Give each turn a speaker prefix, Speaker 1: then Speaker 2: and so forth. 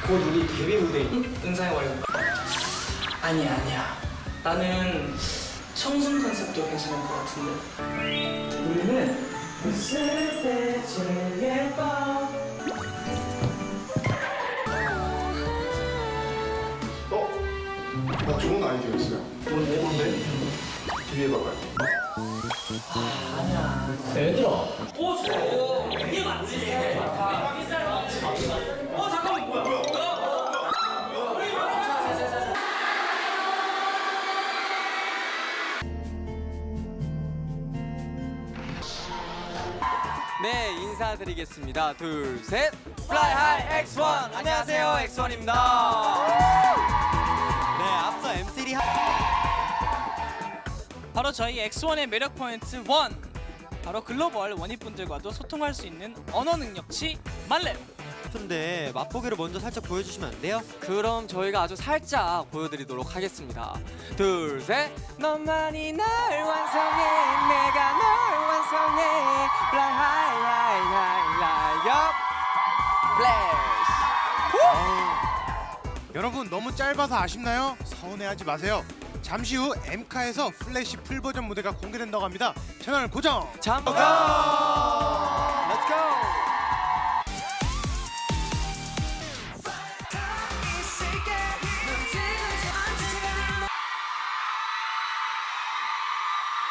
Speaker 1: 곧 우리 데뷔 무대인 은상이 와볼까? 아니야. 나는 청순 컨셉도 괜찮을 것 같은데. 우리는 웃을 때 제일 예뻐.
Speaker 2: 나 좋은 아이디어 있어요.
Speaker 1: 뭔데?
Speaker 2: 뒤에 봐봐요.
Speaker 1: 아니야. 얘들아. 오, 좋아. 이게 맞지? 잠깐만, 뭐야?
Speaker 3: 네, 인사드리겠습니다. 둘, 셋. Fly High X1. 안녕하세요, X1입니다. 네, 앞서 MC
Speaker 4: 바로 저희 X1의 매력 포인트 1. 바로 글로벌 원희분들과도 소통할 수 있는 언어 능력치 만렙.
Speaker 5: 근데 맛보기를 먼저 살짝 보여주시면 안 돼요?
Speaker 3: 그럼 저희가 아주 살짝 보여드리도록 하겠습니다. 둘, 셋. 너만이 날 완성해, 내가 널 완성해. Fly high, high, high, high up. Flash.
Speaker 6: 여러분 너무 짧아서 아쉽나요? 서운해하지 마세요. 잠시 후 엠카에서 플래시 풀버전 무대가 공개된다고 합니다. 채널 고정!
Speaker 3: 잠깐.